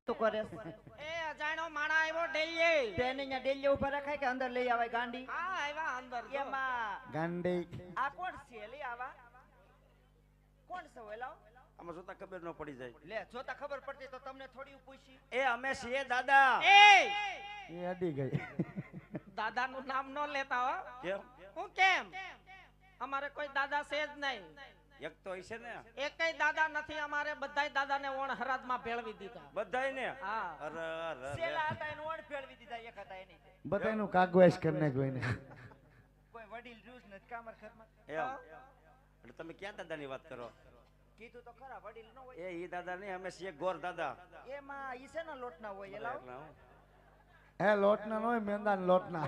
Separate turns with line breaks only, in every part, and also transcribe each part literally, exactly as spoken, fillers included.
તું કરે
એ અજાણ્યો માણા આવ્યો ડેલી
તેને અહીંયા ડેલી ઉપર રખાય કે અંદર લઈ આવાય ગાંડી
હા આવ્યા અંદર જો.
એમાં
ગાંડી
આ કોણ છે લઈ આવા કોણ છે ઓલાવ
આમાં જોતા ખબર ન પડી જાય.
લે જોતા ખબર પડતી તો તમને થોડી પૂછી
એ અમે છીએ દાદા.
એ
એ અડી ગઈ.
દાદાનું નામ ન લેતા હો.
કેમ?
હું કેમ અમારે કોઈ દાદા છે જ નહીં.
એક તો હશે ને.
એકેય દાદા નથી અમારે. બધાય દાદાને ઓણ હરાદમાં ભેળવી દીધા.
બધાય ને.
હા
અરે અરે
સેલા હતા એને ઓણ ફેરવી દીધા એક હતા એની
બધાનું કાગવાસ કરી નાખ્યું એને.
કોઈ વડીલ રૂસ નથી કામર ઘરમાં
એમ. એટલે તમે ક્યાં દાદાની વાત કરો?
કીધું તો ખરા વડીલ ન હોય
એ ઈ દાદા નહીં, અમે છીએ ગોર દાદા.
એમાં ઈ છે ને લોટ ના હોય એલાવ
એટલા હું.
હે લોટના નો મેંદા લોટના.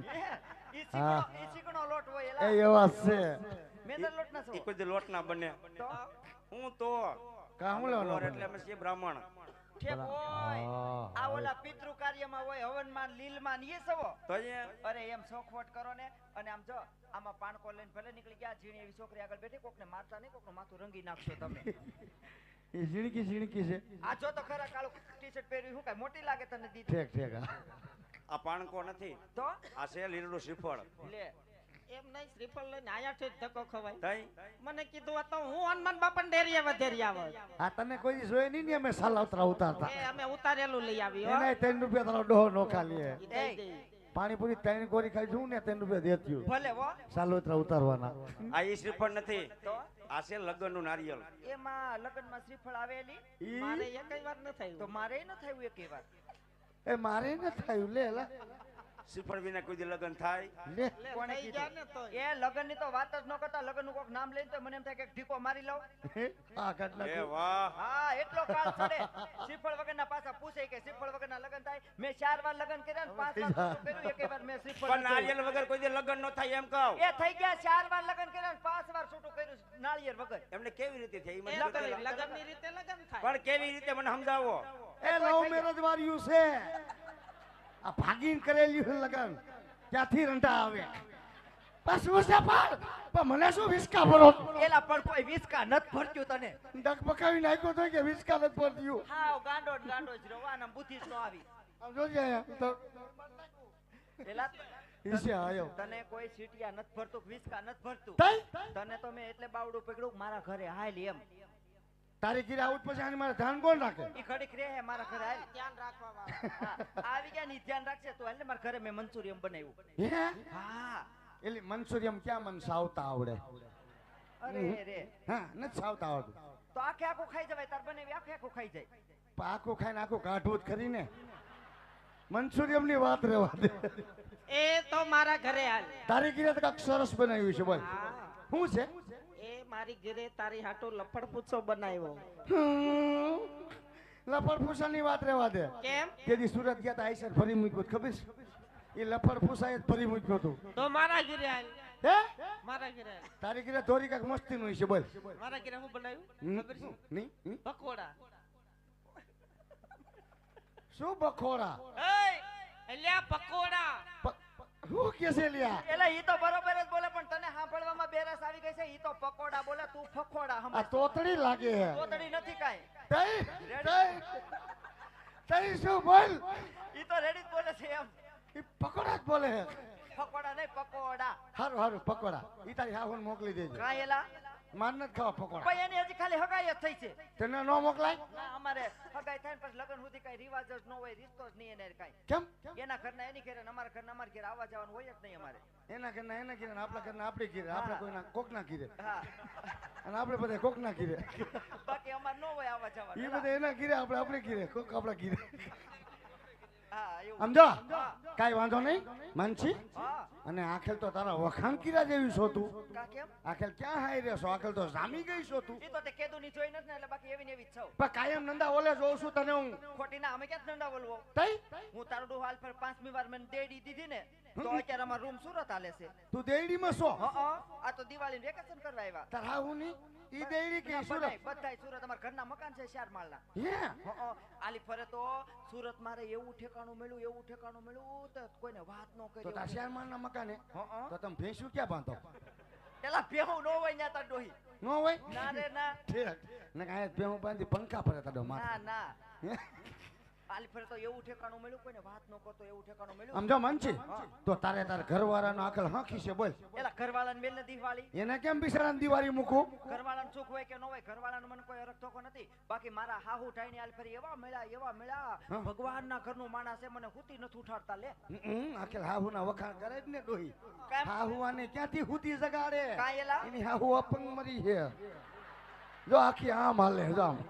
ઈ ચીકણો ઈ ચીકણો લોટ હોય
એ
એલાવ
એવા છે.
મેંદર લોટ ના
ઈ
છો
કોઈ દી લોટ ના બને.
તો
હું તો
કામ
ગોર
લેવાનો
એટલે અમે છીએ બ્રાહ્મણ.
ઠેક હોય આ ઓલા પિતૃ કાર્યમાં હોય હવનમાં લીલમાં ને એ સવો
તો અહીંયા
અરે એમ શોખવટ કરો ને અને આમ જો આમાં પાણકો લઈને ભલે નીકળી ગયા ઝીણી એવી છોકરી આગળ બેઠી કોકને મારતા નહીં કોકનું માથું રંગી નાખશો તમે
એ ઝીણકી ઝીણકી છે.
આ જો તો ખરા કાળું ટી-શર્ટ પહેર્યું શું કાંઈ મોટી લાગે તને દીદી
ઠેક ઠેક હા.
આ પાણકો નથી,
તો
આ છે લીલું શ્રીફળ.
લે
એમ નહીં શ્રીફળ લઈને આયાથી જ ધક્કો ખવાય.
તઈ
મને કીધું આ તો હું હનુમાન બાપા ડેરીએ વધેરી આવત.
આ તને કોઈ દી જોયે નહીં ને અમે સાલા ઉતરા ઉતારતા.
એ અમે ઉતારેલું લઈ આવી હો.
એને ત્રણ રૂપિયા તારો ડોહો નો ખાલી
ઈ દઈ દઈ.
પાણીપુરી ત્રણ ગોરી ખાઈ જવું ને ત્રણ રૂપિયા દેત્યું.
ભલે હો
સાલા ઉતરા ઉતારવાના.
આ ઈ શ્રીફળ નથી,
તો
આ છે લગ્નનું નારિયેળ.
એમાં લગ્નમાં શ્રીફળ આવેલી
ઈ
મારે એકય વાર ન થયું.
તો મારે ન થયું એક વાર
એ મારે ન થયું લે લા.
શ્રીફળ વિના કોઈ દી લગ્ન થાય?
લે
લે,
કોણે
થઈ ગયા ને
કીધું
તોય.
એ લગ્ન ની તો વાત જ ન કરતા લગ્ન નું કોઈક નામ લઈને તો મને એમ થાય કે એક ઢીકો મારી લઉં
આ કાટલા
એ વાહ.
હા એટલો કાળ ચડે શ્રીફળ વગરના પાછા પૂછે કે શ્રીફળ વગરના લગ્ન થાય મેં ચાર વાર લગ્ન કર્યા ને પાંચ વાર છૂટું કર્યું એકે વાર મેં શ્રીફળ
પણ
ન જોયું.
નારિયેળ વગર કોઈ દી લગ્ન ન થાય એમ કહું.
એ થઈ ગયા ચાર વાર લગ્ન કર્યા ને પાંચ વાર છૂટું કર્યું નાળિયેર વગર
એમને કેવી રીતે થાય ઈ મને
એ
બતાવો.
લગન લગનની રીતે લગન થાય.
પણ કેવી રીતે મને સમજાવો.
એ લવ મેરેજ વાળ્યું છે. આ ભાગીન કરેલી લગન ક્યાંથી રંટા આવે પાછું છે પાડ પણ મને શું વિસ્કા ભરો
એલા પણ કોઈ વિસ્કા નત ભરતું તને
ડગ પકાવી નાખ્યો તો કે વિસ્કા નથી ભરતું.
હાવ ગાંડો જ ગાંડો જ રવા ને બુદ્ધિ જ નો આવી
આમ જોજે અહીંયા તો
એલા
ઈસે આયો
તને કોઈ સીટિયા નત ભરતું વિસ્કા નત ભરતું
તઈ
તને તો મેં એટલે બાવડું પકડ્યું મારા ઘરે હાલ એમ
તારી કીરે આવું જ પછી આની મારે ધ્યાન કોણ રાખે?
ઈ ઘડીક રહે હે મારા ઘરે હાલ
ધ્યાન રાખવા વાળા.
હા, આવી ગયા ની ધ્યાન રાખશે તો હાલ ને મારા ઘરે મેં મંચુરિયમ બનાવ્યું
હે
હા
એલી મંચુરિયમ ક્યાં મન સાવતા આવડે?
અરે રે
હા નથી સાવતા આવડતું.
તો આખે આખું ખાઈ જવાય તાર બનાવી આખે આખું ખાઈ જાય
પણ આખું ખાઈને આખું કાઢવું જ ખરી ને. મંચુરિયમ ની વાત રહેવા દે.
એ તો મારા ઘરે હાલ.
તારી કીરે તો કાંઈક સરસ બનાવ્યું છે બોલ.
હા.
શું છે?
એ મારી ઘરે તારી હાટુ લફડ પૂછો બનાવ્યો.
લફડ ફૂસાની વાત રહેવા દે.
કેમ?
તેથી સુરત ગયા તા આઈસર ફરી મૂક્યું ખબર છે? એ લફડ ફૂસાએ જ ફરી મૂક્યું હતું.
તો મારા ઘરે હાલ.
હે
મારા ઘરે હાલ.
તારી કીરે ધોરી કાંઈક મસ્તી નું છે બોલ.
મારા ઘરે હું બનાવ્યું
હમ,
ખબર છે?
નહીં હમ.
પકોડા.
શું બખોરા?
એય એલ્યા પકોડા.
પ- શું કે છે લ્યા?
એલા ઈ તો બરોબર જ બોલે પણ તને સાંભળવામાં બેરસ આવી ગઈ છે ઈ તો પકોડા બોલે તું ફકોડા
આ
સમજ
તોતડી લાગે હે.
તોતડી નથી કાઈ
તઈ તઈ તઈ શું બોલ?
ઈ તો રેડી જ બોલે છે એમ
ઈ પકોડા જ બોલે હે.
ફકોડા નહીં પકોડા
હારું હારું પકોડા. ઈ તારી હાહુને મોકલી દેજો.
કાંઈ એલા
માર નથી ખાવા પકોડા.
ભાઈ એની હજી ખાલી હગાઈ જ થઈ છે
તને નો મોકલાય?
ના અમારે હગાઈ થાય ને પછી લગ્ન સુધી કઈ રિવાજ જ ન હોય રીતો જ નહીં એને કાંઈ
કેમ?
એના ઘરના એની ઘરે ને અમારા ઘરના અમારા ઘરે આવવા જવાનું હોય જ નહીં અમારે
એના ઘરના એના ઘીરે ને આપણા ઘરના આપણી ઘીરે. આપણે કોઈના કોકના ઘીરે
હા
અને આપણે બધા કોકના ઘીરે.
બાકી અમારે ન હોય આવવા
ઈ
જવાનું
બધા એના ઘીરે આપણે આપણી ઘીરે કોક આપણા ઘીરે.
હા એવું
સમજો?
હા
કાઈ વાંધો નહીં માનસી.
હા
અને આખેલ તો તારા વખાણ કીરા જેવી છો તું.
કા કેમ
આખેલ ક્યાં હાઈ રહેશો? આખેલ તો જામી ગઈ છો તું.
ઈ તો તે કેદુ ની જોઈ નથી ને એટલે બાકી એવી ને એવી જ છો
પણ કાયમ નંદા ઓલે જોઉં છું તને હું.
ખોટી ના અમે ક્યાં ધંધા બોલવો
તઈ
હું તારું ડોહ હાલ પર પાંચમી વાર મને દેડી દીધી ને તો અત્યારે અમારો રૂમ સુરત હાલે છે
તું દેડીમાં છો?
હા આ તો દિવાળી વેકેશન કરવા આવ્યા
તાર હાહુ ની ઈ દેડી કે ઈ સુરત?
બધાય બધાય સુરત અમારા ઘરના મકાન છે ચાર માળના
હે
હં, આલી ફરે તો સુરત મારે એવું ઠેકાણું મળ્યું એવું ઠેકાણું મળ્યું તો કોઈને વાત ન કરી
તો તાર શેરમાન ના મકાને
હં,
તો તમે ભેંસું ક્યાં બાંધો?
પેલા ભેહું ન હોય ન્યા તાર ડોહી
નો હોય
ના રે ના
ઠીક ને કાંઈ ભેહું બાંધી પંખા ફરે તારો
ના
માથે.
ના
હે?
આલી ફરે તો એવું ઠેકાણું મળ્યું કોઈને વાત ન કરતો એવું ઠેકાણું મળ્યું
સમજો મનથી તો તારે તાર ઘરવાળાનો આકલ હાંકી છે બોલ
એલા ઘરવાળાને મેલ નથી વાળી
એને કેમ બિચારાને દિવાળી મૂકું
ઘરવાળાને સુખ હોય કે ન હોય ઘરવાળાને મને કોઈ અરખ ધોકો નથી બાકી મારા હાહુ ઠાઈને આલી ફરી એવા મળ્યા એવા મળ્યા
હા.
ભગવાનના ઘરનું માણસ છે મને હુતી નથી ઉઠાડતા લે
હમ, આખેલ હાહુના વખાણ કરે જ ને ડોહી
કેમ?
હાહુ આને ક્યાંથી હુતી જગાડે
કાંઈ એલા?
એની હાહુ અપંગ મરી છે જો આખી આમ હાલે જો આમ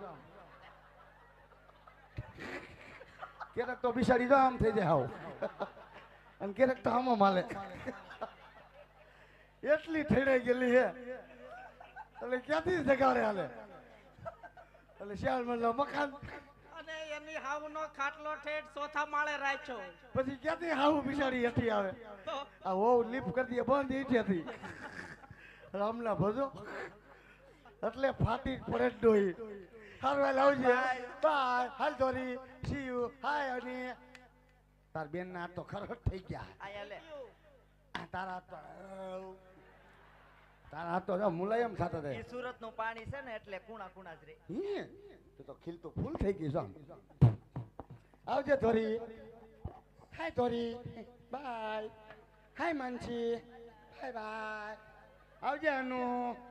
ક્યારેક તો બિસાડી જો આમ થઈ જાય હાવ અને ક્યારેક તો આમ હાલે એટલી ઠેડાઈ ગયેલી છે એટલે ક્યાંથી જગાડે હાલે એટલે શિયાળ મતલબ મકાન
અને એની હાવનો ખાટલો ઠેઠ ચોથા માળે રાખ્યો
પછી ક્યાંથી હાવ બિસાડી હેઠી આવે
તો
આ વહુ લીપ કરી દે બંધ ઈઠેથી રામના ભજો એટલે ફાટી જ પડે જ ડોહી હારવા લાવજે બાય હાલ ધોરી સી યુ હાય અને તાર બેન ના તો ખરખટ થઈ ગયા
આયા લે
આ તારા હાથ તો તારા હાથ તો જો મુલાયમ થતા
એ
થાય
સુરત નું પાણી છે ને એટલે કુણા કુણા જ રે
હી તો તો ખીલ તો ફૂલ થઈ ગઈ છે આવજે Dhori hi Dhori bye hi Mansi bye bye આવજે અનુ